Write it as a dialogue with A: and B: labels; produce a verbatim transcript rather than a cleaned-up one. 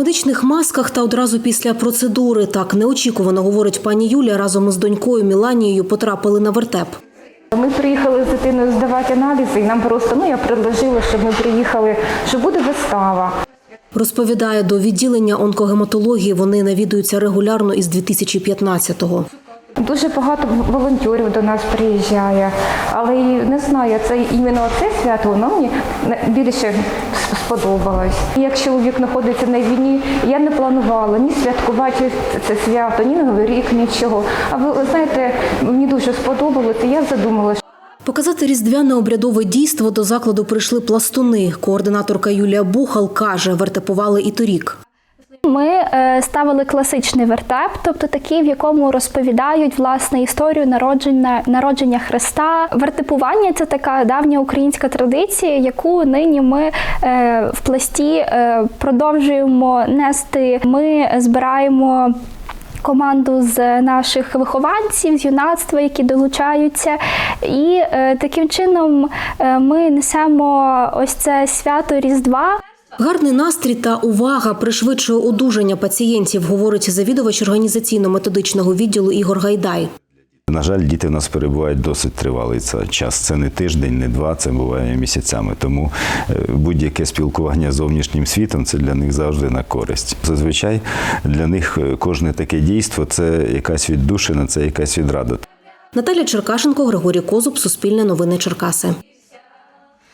A: медичних масках та одразу після процедури. Так неочікувано, говорить пані Юлія, разом із донькою Міланією потрапили на вертеп.
B: Ми приїхали з дитиною здавати аналізи, і нам просто, ну я предложила, щоб ми приїхали, що буде вистава.
A: Розповідає, до відділення онкогематології вони навідуються регулярно із дві тисячі п'ятнадцятого.
B: Дуже багато волонтерів до нас приїжджає, але не знаю, це іменно це свято, воно мені більше сподобалось. Як чоловік знаходиться на війні, я не планувала ні святкувати це свято, ні Новий рік, нічого. А ви знаєте, мені дуже сподобалось, і я задумалася.
A: Показати різдвяне обрядове дійство до закладу прийшли пластуни. Координаторка Юлія Бухал каже, вертепували і торік.
C: Ми ставили класичний вертеп, тобто такий, в якому розповідають власне історію народження, народження Христа. Вертепування – це така давня українська традиція, яку нині ми в пласті продовжуємо нести. Ми збираємо команду з наших вихованців, з юнацтва, які долучаються. І е, таким чином е, ми несемо ось це свято Різдва.
A: Гарний настрій та увага пришвидшує одужання пацієнтів, говорить завідувач організаційно-методичного відділу Ігор Гайдай.
D: На жаль, діти в нас перебувають досить тривалий час. Це не тиждень, не два, це буває місяцями. Тому будь-яке спілкування з зовнішнім світом – це для них завжди на користь. Зазвичай для них кожне таке дійство – це якась віддушина, це якась відрада.
A: Наталя Черкашенко, Григорій Козуб, Суспільне новини Черкаси.